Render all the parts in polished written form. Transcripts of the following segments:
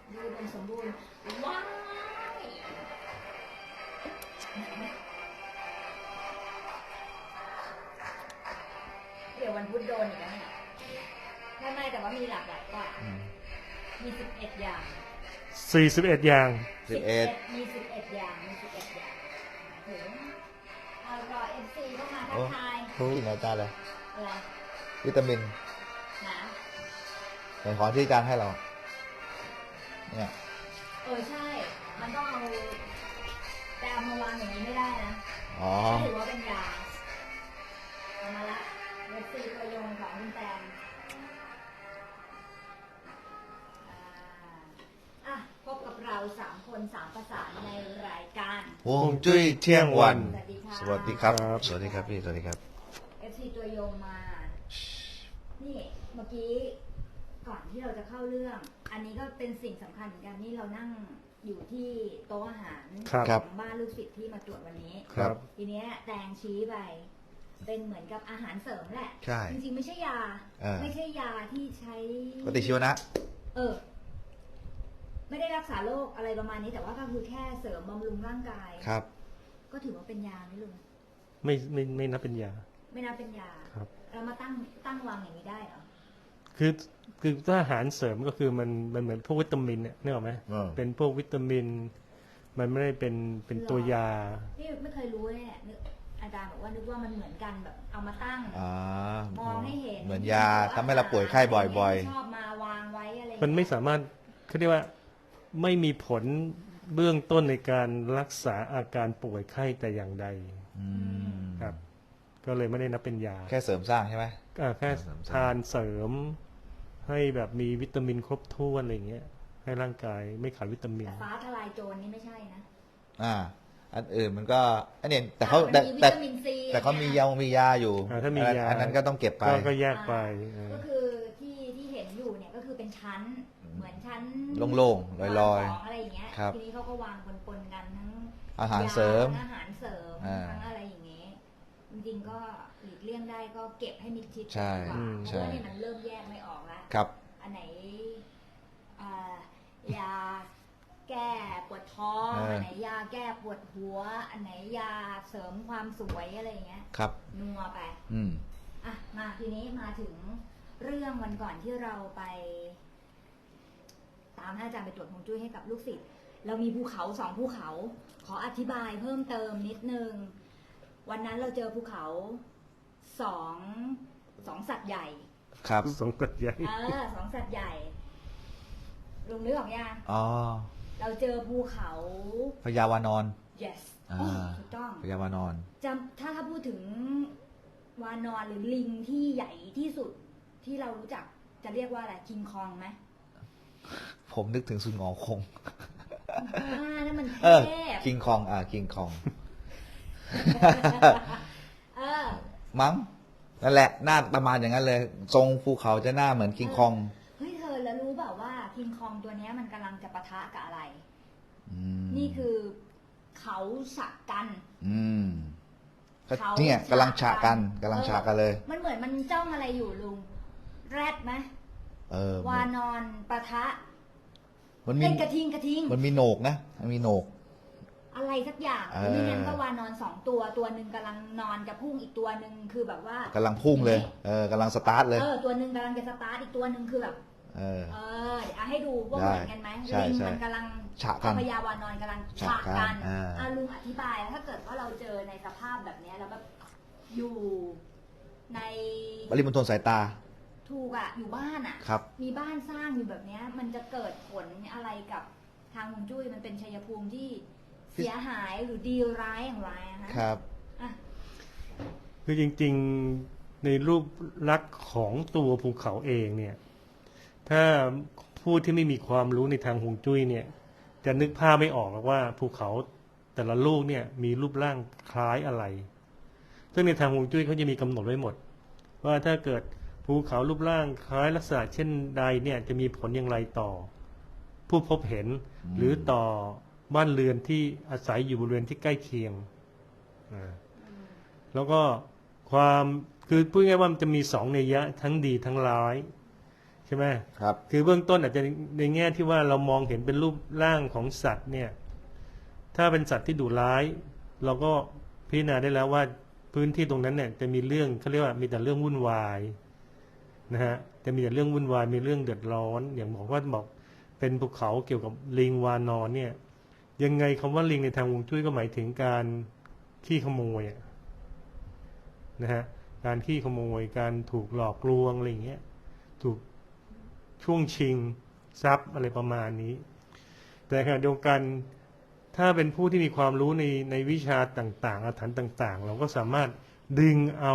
ดูอุดมสมบูรณ์ว้ายเดี๋ยววันพุธโดนอีกแล้วเนี่ยไม่แต่ว่ามีหลากหลายกว่ามี11 อย่าง 41 อย่าง 11มี11 อย่างมี11 อย่างถึงเอารอ FC เข้ามาทักทายกินอะไรจานเลยอะไรวิตามินนะเป็นของที่อาจารย์ให้เรา เนี่ยใช่ มันต้องเอาแต่เอามาวางอย่างนี้ไม่ได้นะอ๋อถือว่าเป็นยาเอามาละเว็บซีตัวยงของคุณแตงพบกับเรา3 คน 3 ภาษาในรายการฮวงจุ้ยเที่ยงวันสวัสดีค่ะสวัสดีครับ สวัสดีครับพี่ สวัสดีครับ FC ตัวยงมา นี่เมื่อกี้ก่อนที่เราจะเข้าเรื่อง อันนี้ก็เป็นสิ่งสำคัญเหมือนกันนี่เรานั่งอยู่ที่โต๊ะอาหารครับของบ้านลูกศิษย์ที่มาตรวจวันนี้ครับทีเนี้ยแตงชี้ไปเป็นเหมือนกับอาหารเสริมแหละใช่จริงๆไม่ใช่ยา ไม่ใช่ยาที่ใช้ปฏิชีวนะไม่ได้รักษาโรคอะไรประมาณนี้แต่ว่าก็คือแค่เสริมบำรุงร่างกายครับก็ถือว่าเป็นยาไหมลุงไม่นับเป็นยาไม่น่าเป็นยาครับเรามาตั้งวางอย่างนี้ได้เหรอคือถ้าอาหารเสริมก็คือมันเหมือนพวกวิตามินเนี่ยนึกออกไหม เป็นพวกวิตามิน มันไม่ได้เป็นตัวยานี่ไม่เคยรู้เลยเนี่ยนึกอาจารย์บอกว่านึกว่ามันเหมือนกันแบบเอามาตั้ง มองให้เห็นเหมือนยาทำให้เราป่วยไข้บ่อยชอบมาวางไว้อะไรมันไม่สามารถเขาเรียกว่าไม่มีผลเบื้องต้นในการรักษาอาการป่วยไข้แต่อย่างใดๆครับ ก็เลยไม่ได้นับเป็นยาแค่เสริมสร้างใช่ไหมแค่ทานเสริม ให้แบบมีวิตามินครบถ้วนอะไรอย่างเงี้ย ให้ร่างกายไม่ขาดวิตามินแต่ฟ้าทลายโจรนี่ไม่ใช่นะอันอื่นมันก็อันนี้แต่เขามันมีวิตามินซีแต่เขามียาอยู่ถ้ามียาอันนั้นก็ต้องเก็บไปก็แยกไปก็คือที่เห็นอยู่เนี่ยก็คือเป็นชั้นเหมือนชั้นโล่งๆลอยๆของอะไรอย่างเงี้ยครับทีนี้เขาก็วางปนๆกันทั้งอาหารเสริมอาหารเสริมทั้งอะไรอย่างเงี้ยจริงๆก็หลีกเลี่ยงได้ก็เก็บให้มิดชิดใช่ดีกว่าเพใช่ราะว่าเนี่ยมันเริ่มแยกไม่ออกแล้วครับอันไหนยาแก้ปวดท้องอันไหนยาแก้ปวดหัว อันไหนยาเสริมความสวยอะไรอย่างเงี้ยครับนัวไป มาทีนี้มาถึงเรื่องวันก่อนที่เราไปตามท่านอาจารย์ไปตรวจฮวงจุ้ยให้กับลูกศิษย์เรามีภูเขา2 ภูเขา ขออธิบายเพิ่มเติมนิดนึงวันนั้นเราเจอภูเขาสองสัตว์ใหญ่ครับสองกัดใหญ่ 2 สัตว์ใหญ่ลุงนึกออกยังอ๋อเราเจอภูเขาพญาวานอน yes ถูกต้องพญาวานอนถ้าพูดถึงวานอนหรือลิงที่ใหญ่ที่สุดที่เรารู้จักจะเรียกว่าอะไรคิงคองไหมผมนึกถึงสุนงอคงนั่นมันเทพคิงคองคิงคอง มั้งนั่นแหละหน้าประมาณอย่างนั้นเลย ทรงภูเขาจะหน้าเหมือนคิงคองเฮ้ยเธอแล้วรู้เปล่าว่าคิงคองตัวเนี้ยมันกำลังจะปะทะกับอะไรมนี่คือเขาฉะกันก็เนี่ยกำลังฉากกันเลยมันเหมือนมันจ้องอะไรอยู่ลุงแรดไหมวานอนปะทะมันมีเป็นกระทิงมันมีโหนกนะมันมีโหนกอะไรสักอย่างไม่งั้นก็วานอน2 ตัวหนึ่งกำลังนอนจะพุ่งอีกตัวหนึ่งคือแบบว่ากำลังพุ่งเลยกำลังสตาร์ทเลยตัวหนึ่งกำลังจะสตาร์ทอีกตัวหนึ่งคือแบบเดี๋ยวให้ดูว่าเหมือนกันไหมใช่ลิงใช่มันกำลังฉะกันพญาวานอนกำลังฉะฉะกักันนลุงอธิบายถ้าเกิดว่าเราเจอในสภาพแบบเนี้ยแล้วแบบอยู่ในปริมณฑลสายตาถูกอยู่บ้านครับมีบ้านสร้างอยู่แบบเนี้ยมันจะเกิดผลอะไรกับทางฮวงจุ้ยมันเป็นชัยภูมิที่เสียหายหรือดีร้ายอย่างไรอะคะครับคือจริงๆในรูปลักษณ์ของตัวภูเขาเองเนี่ย ถ้าผู้ที่ไม่มีความรู้ในทางฮวงจุ้ยเนี่ย จะนึกภาพไม่ออกหรอกว่าภูเขาแต่ละลูกเนี่ยมีรูปร่างคล้ายอะไร ซึ่งในทางฮวงจุ้ยเขาจะมีกำหนดไว้หมด ว่าถ้าเกิดภูเขารูปร่างคล้ายลักษณะเช่นใดเนี่ยจะมีผลอย่างไรต่อ ผู้พบเห็นหรือต่อบ้านเรือนที่อาศัยอยู่บริเวณที่ใกล้เคียงแล้วก็ความคือพูดง่ายๆว่ามันจะมี2 นัยยะทั้งดีทั้งร้ายใช่ไหมครับคือเบื้องต้นอาจจะในแง่ที่ว่าเรามองเห็นเป็นรูปร่างของสัตว์เนี่ยถ้าเป็นสัตว์ที่ดุร้าย เราก็พิจารณาได้แล้วว่าพื้นที่ตรงนั้นเนี่ยจะมีเรื่องเขาเรียกว่ามีแต่เรื่องวุ่นวายนะฮะจะมีแต่เรื่องวุ่นวายมีเรื่องเดือดร้อนอย่างบอกเป็นภูเขาเกี่ยวกับลิงวานอนเนี่ยยังไงคำว่าลิงในทางฮวงจุ้ยก็หมายถึงการขี้ขโมยนะฮะการขี้ขโมยการถูกหลอกลวงอะไรอย่างเงี้ยถูกช่วงชิงทรัพย์อะไรประมาณนี้แต่ขณะเดียวกันถ้าเป็นผู้ที่มีความรู้ในวิชาต่างๆอาถรรพ์ต่าง ๆ เราก็สามารถดึงเอา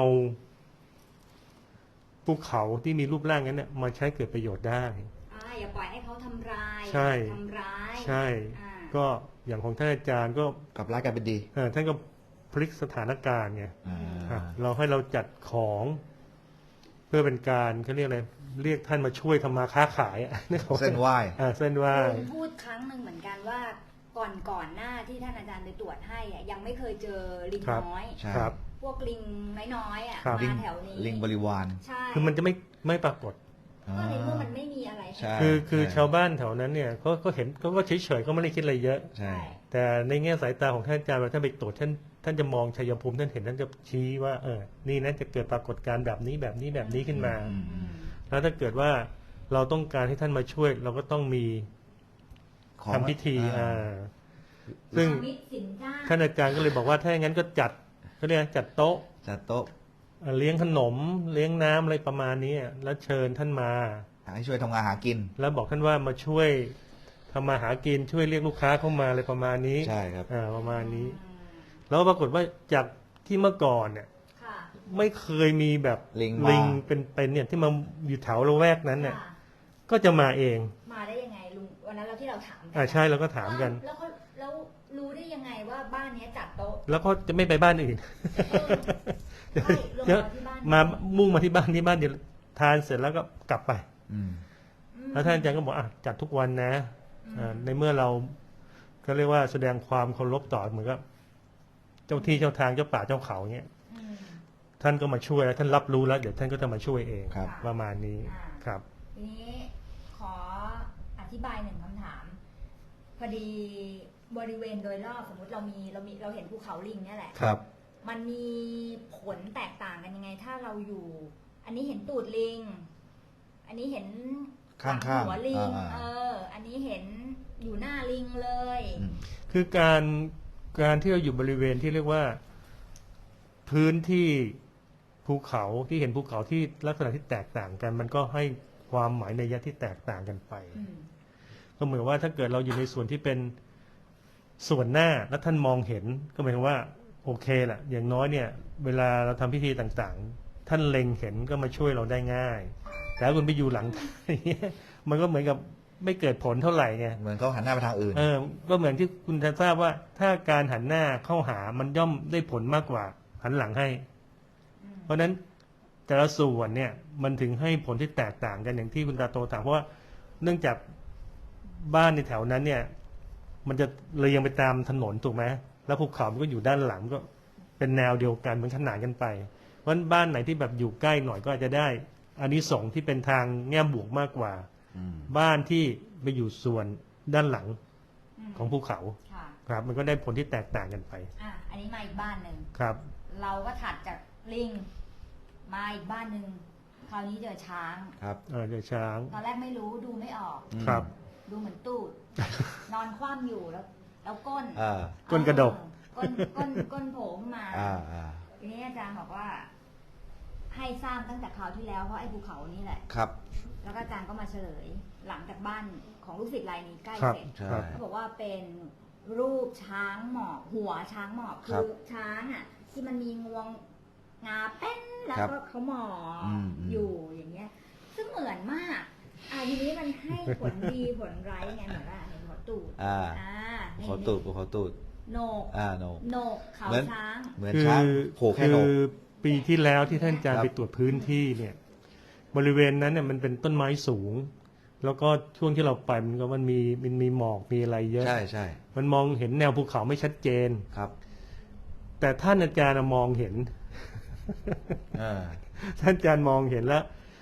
ภูเขาที่มีรูปร่างนั้นเนี่ยมาใช้เกิดประโยชน์ได้อย่าปล่อยให้เขาทำร้ายใช่ทำร้ายใช่ก็อย่างของท่านอาจารย์ก็กลับร้ายกลายเป็นดีท่านก็พลิกสถานการณ์ไงอ่าเราให้เราจัดของ เพื่อเป็นการเขาเรียกอะไรเรียกท่านมาช่วยทำมาค้าขายนึกออกไหมเส้นไหว้เส้นไหว้ลุงพูดครั้งหนึ่งเหมือนกันว่าก่อนหน้าที่ท่านอาจารย์ไปตรวจให้ยังไม่เคยเจอลิงน้อยใช่ครับพวกลิงน้อยๆครับมาแถวนี้ลิงบริวารใช่คือมันจะไม่ปรากฏก็ในเมื่อมันไม่มีอะไรใช่คือชาวบ้านแถวนั้นเนี่ยก็เห็นก็เฉยๆก็ไม่ได้คิดอะไรเยอะใช่แต่ในแง่สายตาของท่านอาจารย์เวลาท่านไปตรวจท่านจะมองชัยภูมิท่านเห็นท่านจะชี้ว่านี่นะจะเกิดปรากฏการณ์แบบนี้ขึ้นมา แล้วถ้าเกิดว่าเราต้องการให้ท่านมาช่วย เราก็ต้องมีของทำพิธีอ่าซึ่งมิตรสินจ้าท่านอาจารย์ก็เลยบอกว่าถ้าอย่างนั้นก็จัดเขาเรียกจัดโต๊ะจัดโต๊ะเลี้ยงขนมเลี้ยงน้ำอะไรประมาณนี้แล้วเชิญท่านมาให้ช่วยทำงานหากินแล้วบอกท่านว่ามาช่วยทำมาหากินช่วยเรียกลูกค้าเข้ามาอะไรประมาณนี้ใช่ครับประมาณนี้ แล้วปรากฏว่าจากที่เมื่อก่อนเนี่ยค่ะไม่เคยมีแบบลิงมาเป็นเนี่ยที่มาอยู่แถวละแวกนั้นเนี่ยค่ะก็จะมาเองมาได้ยังไงลุงวันนั้นเราที่เราถามใช่เราก็ถามกันแล้วรู้ได้ยังไงว่าบ้านนี้จัดโต๊ะแล้วก็จะไม่ไปบ้านอื่นใช่ลงเดี๋ยวมาที่บ้านมามุ่งมาที่บ้านเดี๋ยวทานเสร็จแล้วก็กลับไปอืมแล้วท่านอาจารย์ก็บอกจัดทุกวันนะในเมื่อเราก็เรียกว่าแสดงความเคารพต่อเหมือนกับเจ้าที่เจ้าทางเจ้าป่าเจ้าเขาเงี้ยอืมท่านก็มาช่วยแล้วท่านรับรู้แล้วเดี๋ยวท่านก็จะมาช่วยเองครับประมาณนี้อ่าครับทีนี้ขออธิบายหนึ่งคำถาม พอดีบริเวณโดยรอบสมมติเราเห็นภูเขาลิงเนี่ยแหละครับมันมีผลแตกต่างกันยังไง ถ้าเราอยู่ อันนี้เห็นตูดลิง อันนี้เห็นข้างๆหัวลิงอ่าอันนี้เห็นอยู่หน้าลิงเลยอืมคือการที่เราอยู่บริเวณที่เรียกว่าพื้นที่ภูเขาที่เห็นภูเขาที่ลักษณะที่แตกต่างกัน มันก็ให้ความหมายในยะที่แตกต่างกันไปอืมก็เหมือนว่าถ้าเกิดเราอยู่ในส่วนที่เป็นส่วนหน้าแล้วท่านมองเห็นก็หมายถึงว่าโอเคแหละอย่างน้อยเนี่ย เวลาเราทำพิธีต่างๆ ท่านเล็งเห็นก็มาช่วยเราได้ง่าย แต่ถ้าคุณไปอยู่หลัง มันก็เหมือนกับไม่เกิดผลเท่าไหร่ไงเหมือนเขาหันหน้าไปทางอื่นก็เหมือนที่คุณทราบว่า ถ้าการหันหน้าเข้าหามันย่อมได้ผลมากกว่าหันหลังให้ เพราะฉะนั้นแต่ละส่วนเนี่ยมันถึงให้ผลที่แตกต่างกันอย่างที่คุณตาโตถามเพราะว่าเนื่องจากบ้านในแถวนั้นเนี่ย มันจะเรียงไปตามถนนถูกไหมแล้วภูเขามันก็อยู่ด้านหลังก็เป็นแนวเดียวกันเหมือนขนานกันไป เพราะฉะนั้นบ้านไหนที่แบบอยู่ใกล้หน่อยก็อาจจะได้อานิสงส์ที่เป็นทางแง่บวกมากกว่าอืมบ้านที่ไปอยู่ส่วนด้านหลังมของภูเขาค่ะครับ มันก็ได้ผลที่แตกต่างกันไปอันนี้มาอีกบ้านหนึ่งครับเราก็ถัดจากลิง มาอีกบ้านหนึ่ง คราวนี้เจอช้างครับเดี๋ยวช้างตอนแรกไม่รู้ดูไม่ออกอืมครับดูเหมือนตูด นอนคว่ำอยู่แล้วก้นอ่าก้นกระดกก้นโผล่ขึ้นมาอ่าอ่าทีนี้อาจารย์บอกว่า ให้สร้างตั้งแต่คราวที่แล้วเพราะไอ้ภูเขานี่แหละครับแล้วก็อาจารย์ก็มาเฉลย หลังจากบ้านของลูกศิษย์รายนี้ใกล้ครับเสร็จใช่ครับเขาบอกว่าเป็นรูปช้างหมอบหัวช้างหมอบครัคืบอช้างที่มันมีงวงงาแป้นแล้วครับก็เขาหมอบอืมอยู่อย่างเงี้ย ซึ่งเหมือนมากทีนี้มันให้ผลดี ผลร้ายไงเหมือนว่าเห็นหัวตูดอ่านี่เขาตูดเขาตูดโหนกโนโหนกเขาเหมือนช้างเหมือนคือช้างโผล่แค่โหนกปีที่แล้วที่ท่านอาจารคย์รับไปตรวจพื้นที่เนี่ย บริเวณนั้นเนี่ยมันเป็นต้นไม้สูง แล้วก็ช่วงที่เราไปมันมีหมอกมีอะไรเยอะใช่ใช่มันมองเห็นแนวภูเขาไม่ชัดเจนครับแต่ท่านอาจารย์มองเห็นอ่าท่านอาจารย์มองเห็นแล้ว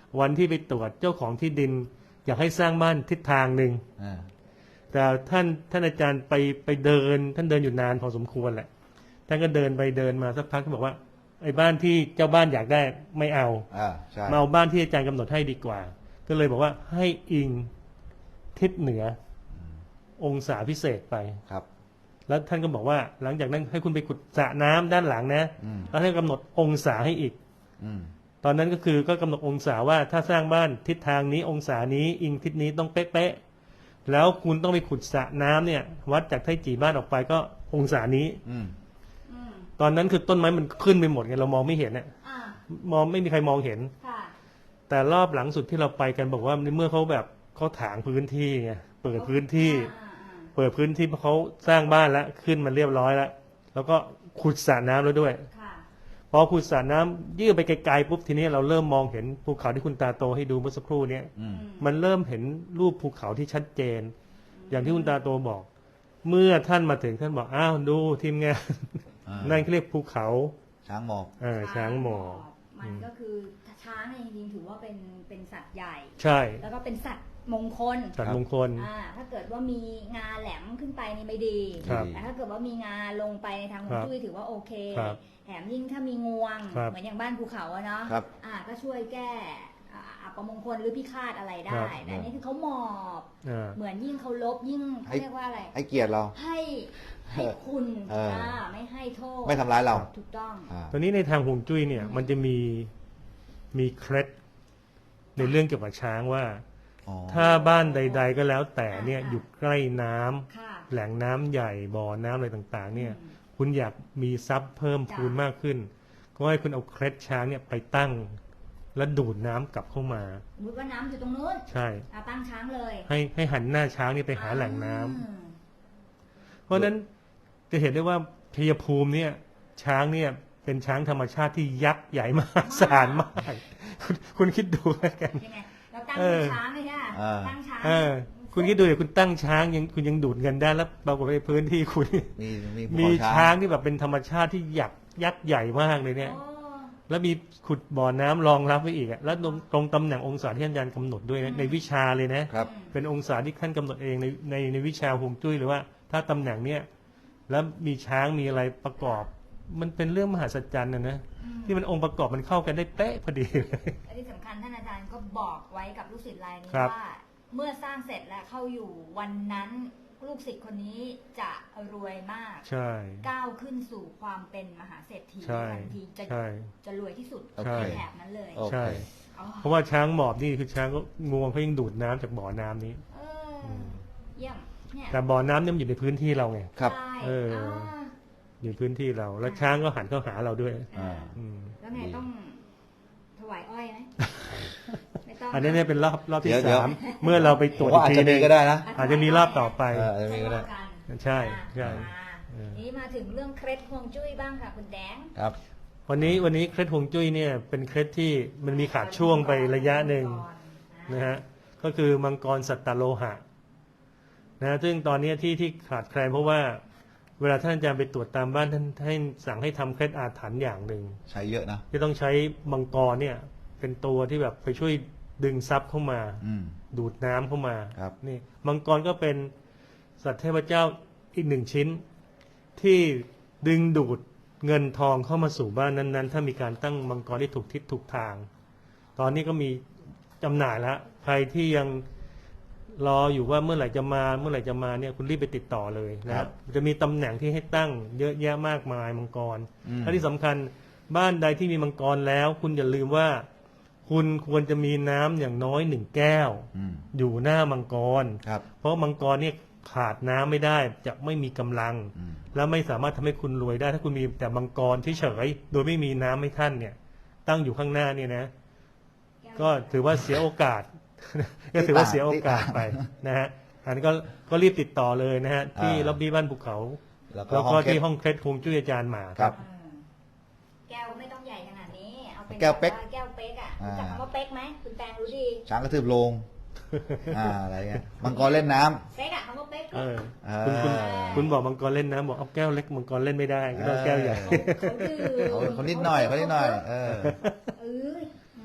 วันที่ไปตรวจเจ้าของที่ดิน อยากให้สร้างบ้านทิศทางหนึ่งอ่าแต่ท่านอาจารย์ไปเดินท่านเดินอยู่นานพอสมควรแหละท่านก็เดินไปเดินมาสักพักก็บอกว่าไอ้บ้านที่เจ้าบ้านอยากได้ไม่เอาใช่มาเอาบ้านที่อาจารย์กำหนดให้ดีกว่า ก็เลยบอกว่าให้อิงทิศเหนือองศาพิเศษไปครับแล้วท่านก็บอกว่าหลังจากนั้นให้คุณไปขุดสระน้ำด้านหลังนะอืมแล้วท่านกำหนดองศาให้อีกอืมตอนนั้นก็คือก็กำหนดองศาว่าถ้าสร้างบ้านทิศทางนี้องศานี้อิงทิศนี้ต้องเป๊ะๆแล้วคุณต้องไปขุดสระน้ำเนี่ย วัดจากไทจีบ้านออกไปก็องศานี้อืมอืมตอนนั้นคือต้นไม้มันขึ้นไปหมดไงเรามองไม่เห็นเนี่ยอ่ามองไม่มีใครมองเห็นค่ะแต่รอบหลังสุดที่เราไปกันบอกว่าเมื่อเขาแบบเขาถางพื้นที่ไงเปิดพื้นที่ เปิดพื้นที่เพราะเขาสร้างบ้านแล้วขึ้นมาเรียบร้อยแล้วแล้วก็ขุดสระน้ำแล้วด้วยค่ะพอขุดสระน้ำยืดไปไกลๆปุ๊บทีนี้เราเริ่มมองเห็นภูเขาที่คุณตาโตให้ดูเมื่อสักครู่เนี้ยอืมมันเริ่มเห็นรูปภูเขาที่ชัดเจน อย่างที่คุณตาโตบอก เมื่อท่านมาถึงท่านบอกอ้าวดูทีมงานอ่านั่นเขาเรียกภูเขาช้างหมอบช้างหมอบมันก็คือช้างเนี่ยจริงๆถือว่าเป็นสัตว์ใหญ่ใช่แล้วก็เป็นสัตว์มงคลสัตว์มงคลถ้าเกิดว่ามีงาแหลมขึ้นไปนี่ไม่ดีครับแต่ถ้าเกิดว่ามีงาลงไปในทางฮวงจุ้ยถือว่าโอเคครับแถมยิ่งถ้ามีงวงครับเหมือนอย่างบ้านภูเขาอะเนาะครับก็ช่วยแก้อัปมงคลหรือพิฆาตอะไรได้ แต่อันนี้คือเขาหมอบอ่าเหมือนยิ่งเขาลบยิ่งเขาเรียกว่าอะไรให้เกียรติเราให้คุณเออไม่ให้โทษไม่ทำร้ายเราถูกต้องตอนนี้ในทางฮวงจุ้ยเนี่ยมันจะมีเคล็ดในเรื่องเกี่ยวกับช้างว่าอ๋อถ้าบ้านใด ๆ ก็แล้วแต่เนี่ยอยู่ใกล้น้ำค่ะแหล่งน้ำใหญ่บ่อน้ำอะไรต่างๆ เนี่ยอืมคุณอยากมีทรัพย์เพิ่มพูนมากขึ้น ก็ให้คุณเอาเคล็ดช้างเนี่ยไปตั้ง แล้วดูดน้ำกลับเข้ามาสมมติว่าน้ำอยู่ตรงนู้นใช่ตั้งช้างเลยให้หันหน้าช้างนี่ไปหาแหล่งน้ำอืมเพราะฉะนั้นจะเห็นได้ว่าชัยภูมิเนี่ยช้างเนี่ยเป็นช้างธรรมชาติที่ยักษ์ใหญ่มากสารมากคุณคิดดูแล้วกันยังไงเราตั้งเออช้างเลยค่ะอ่าตั้งช้างคุณคิดดูเดี๋ยวคุณตั้งช้างคุณยังดูดเงินได้แล้วปรากฏในพื้นที่คุณมีภูมีเขาช้างที่แบบเป็นธรรมชาติที่ยักษ์ใหญ่มากเลยเนี่ยโอ้แล้วมีขุดบ่อน้ำรองรับไว้อีกอะแล้วตรงตำแหน่งองศาที่อาจารย์กำหนดด้วยนะในวิชาเลยนะครับเป็นองศาที่ท่านกำหนดเองในวิชาฮวงจุ้ยเลยว่า ถ้าตำแหน่งเนี้ยแล้วมีช้างมีอะไรประกอบ มันเป็นเรื่องมหัศจรรย์นะที่มันองค์ประกอบมันเข้ากันได้เป๊ะพอดีเลยและที่สำคัญท่านอาจารย์ก็บอกไว้กับลูกศิษย์รายนี้ครับว่า เมื่อสร้างเสร็จและเข้าอยู่วันนั้นลูกศิษย์คนนี้จะรวยมากใช่ก้าวขึ้นสู่ความเป็นมหาเศรษฐีใช่ทันทีจะใช่จะรวยที่สุดใช่ในแถบนั้นเลยโอเคใช่อ๋อเพราะว่าช้างหมอบนี่คือช้างก็งวงเขายังดูดน้ำจากบ่อน้ำนี้เออเยี่ยมเนี่ยแต่บ่อน้ำเนี่ยมันอยู่ในพื้นที่เราไงครับใช่เออาอยู่พื้นที่เรา แล้วช้างก็หันเข้าหาเราด้วยอ่าอืมแล้วไงต้องถวายอ้อยไหมไม่ต้องอันนี้เนี่ยเป็นรอบที่เดี๋ยวสามเมื่อเราไปตรวจผมว่าอีกอาจทีจะหนึมีงก็ได้นะอาจจะมีรอบต่อไปอาจจะมีก็ได้ใช่ใช่นี่มาถึงเรื่องเคล็ดฮวงจุ้ยบ้างค่ะคุณแดงครับวันนี้เคล็ดฮวงจุ้ยเนี่ยเป็นเคล็ดที่มันมีขาดช่วงไประยะหนึ่งนะฮะก็คือมังกรสัตตโลหะนะซึ่งตอนนี้ที่ขาดแคลนเพราะว่าเวลาท่านอาจารย์ไปตรวจตามบ้านท่านให้สั่งให้ทำเคล็ดอาถรรพ์อย่างหนึ่งใช้เยอะนะที่ต้องใช้มังกรเนี่ยเป็นตัวที่แบบไปช่วยดึงทรัพย์เข้ามาอืมดูดน้ำเข้ามาครับนี่มังกรก็เป็นสัตว์เทพเจ้าอีกหนึ่งชิ้น ที่ดึงดูดเงินทองเข้ามาสู่บ้านนั้นๆ ถ้ามีการตั้งมังกรที่ถูกทิศถูกทาง ตอนนี้ก็มีจำหน่ายแล้วใครที่ยังรออยู่ว่าเมื่อไหร่จะมาเนี่ยคุณรีบไปติดต่อเลยนะครับ จะมีตำแหน่งที่ให้ตั้งเยอะแยะมากมายมังกรอืมและที่สำคัญบ้านใดที่มีมังกรแล้ว คุณอย่าลืมว่า คุณควรจะมีน้ำอย่างน้อย1 แก้วอืมอยู่หน้ามังกรครับเพราะมังกรเนี่ยขาดน้ำไม่ได้จะไม่มีกำลังอืมและไม่สามารถทำให้คุณรวยได้ ถ้าคุณมีแต่มังกรเฉยๆโดยไม่มีน้ำให้ท่านเนี่ย ตั้งอยู่ข้างหน้าเนี่ยนะ ก็ถือว่าเสียโอกาส ก็ถือว่าเสียโอกาสไปนะฮะอันนี้ก็รีบติดต่อเลยนะฮะที่ล็อบบี้บ้านภูเขาแล้วก็แล้วห้ก็องเคล็ที่ดห้องเคล็ดฮวงจุ้ยอาจารย์หมาครับแก้วไม่ต้องใหญ่ขนาดนี้ เอาเป็นแก้วเป๊กแก้วเป๊กอ่ะอ่ารู้จักคำว่าเป๊กไหมคุณแตงรู้ดีช้างกระทืบโลง อะไรเงี้ย มังกรเล่นน้ำเป๊กอะคำว่าเป๊กเอออ่าคุณบอกมังกรเล่นน้ำบอกเอาแก้วเล็กมังกรเล่นไม่ได้ก็ต้องแก้วใหญ่เขาดื่มเขานิดหน่อยเออเออมา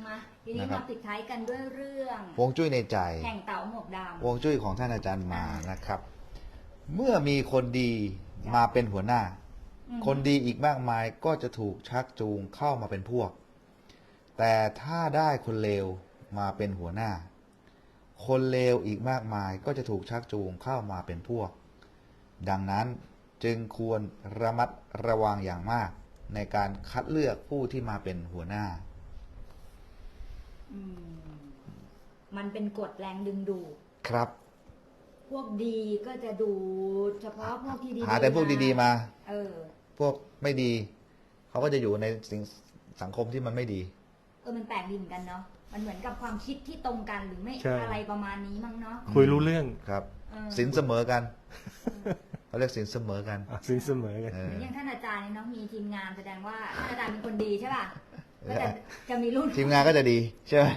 ทีนี้นะครับมาปิดท้ายกันด้วยเรื่องฮวงจุ้ยในใจแห่งเต่าหมวกดฮวงจุ้ยของท่านอาจารย์มานะครับ เมื่อมีคนดีมาเป็นหัวหน้าำคนดีอีกมากมายก็จะถูกชักจูงเข้ามาเป็นพวก แต่ถ้าได้คนเลวมาเป็นหัวหน้า คนเลวอีกมากมายก็จะถูกชักจูงเข้ามาเป็นพวก ดังนั้นจึงควรระมัดระวังอย่างมากในการคัดเลือกผู้ที่มาเป็นหัวหน้าอืมมันเป็นกฎแรงดึงดูดครับพวกดีก็จะดูเฉพาะพวกที่ดีหาแต่พวกดีๆมาเออพวกไม่ดี เขาก็จะอยู่ในสังคมที่มันไม่ดีมันแปลกดีเหมือนกันเนาะมันเหมือนกับความคิดที่ตรงกันหรือไม่ใช่อะไรประมาณนี้มั้งเนาะคุยรู้เรื่องครับเออสินเสมอกัน เขาเรียกสินเสมอกันสินเสมอกันเอเหอมือนอย่างท่านอาจารย์เนี่ยเนาะมีทีมงานแสดงว่าท่านอาจารย์เป็นคนดีใช่ป่ะก็จะมีรุ่นทีมงานก็จะดีใช่ไหม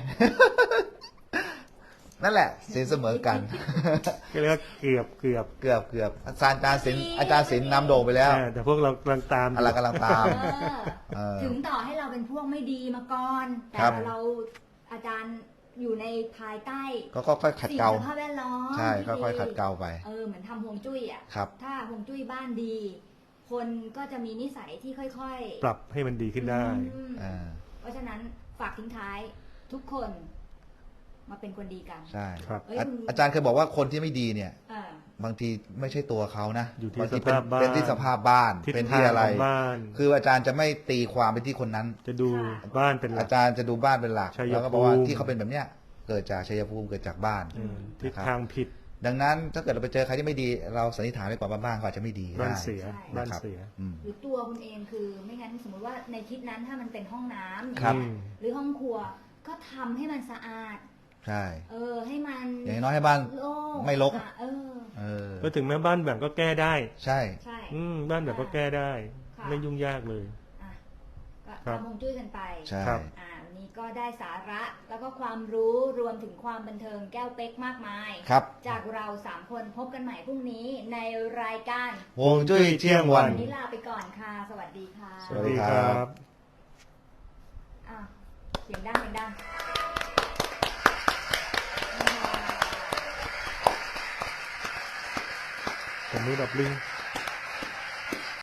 นั่นแหละ สินเสมอกันก็เรียกว่าเกือบเกือบอาจารย์ศิลป์นำโด่งไปแล้วแต่พวกเรากำลังตามอยู่อะไรกำลังตามเออถึงต่อให้เราเป็นพวกไม่ดีมาก่อนแต่ครับเราอาจารย์อยู่ในภายใต้ก็ค่อยๆขัดสิ่งเกลาสภาพแวดล้อมใช่ที่ค่อยๆขัดเกลาไปเหมือนทำฮวงจุ้ยอ่ะครับถ้าฮวงจุ้ยบ้านดี คนก็จะมีนิสัยที่ค่อยๆปรับให้มันดีขึ้นได้อืมอ่าเพราะฉะนั้นฝากทิ้งท้ายทุกคนมาเป็นคนดีกันใช่ครับเอ้ยอาจารย์เคยบอกว่าคนที่ไม่ดีเนี่ยเออบางทีไม่ใช่ตัวเขานะอยู่ที่บางทีสภาพบ้านเป็นที่สภาพบ้านทิศเป็นทาที่งอะไรของบ้านคืออาจารย์จะไม่ตีความไปที่คนนั้นจะดูบ้านเป็นหลัอาก จารย์จะดูบ้านเป็นหลักชัยภูมิแล้วก็บอกว่าที่เขาเป็นแบบเนี้ยเกิดจากชัยภูมิเกิดจากบ้านทิศทางผิดดังนั้นถ้าเกิดเราไปเจอใครที่ไม่ดี เราสันนิษฐานไว้ก่อนว่าบ้านเขาอาจจะไม่ดีบ้านได้เสีย บ้านเสียอืมหรือตัวคุณเองคือไม่งั้นสมมติว่าในทิศนั้นถ้ามันเป็นห้องน้ำครับเนี่ยหรือห้องครัวก็ทำให้มันสะอาดใช่ให้มันอย่างน้อยให้บ้านโล่งไม่รกอ่ะเออก็ถึงแม้บ้านแบบก็แก้ได้ใช่ใช่บ้านแบบก็แก้ได้ค่ะไม่ยุ่งยากเลยอ่ะก็ครับทำฮวงจุ้ยกันไปใช่ครับวันนี้ก็ได้สาระแล้วก็ความรู้รวมถึงความบันเทิงแก้วเป๊กมากมายครับจากเรา3คนพบกันใหม่พรุ่งนี้ในรายการฮวงจุ้ยเที่ยงวันวันนี้ลาไปก่อนค่ะ สวัสดีค่ะสวัสดีครับอ่ะเสียงดังเสียงดังผมมือแบบลิง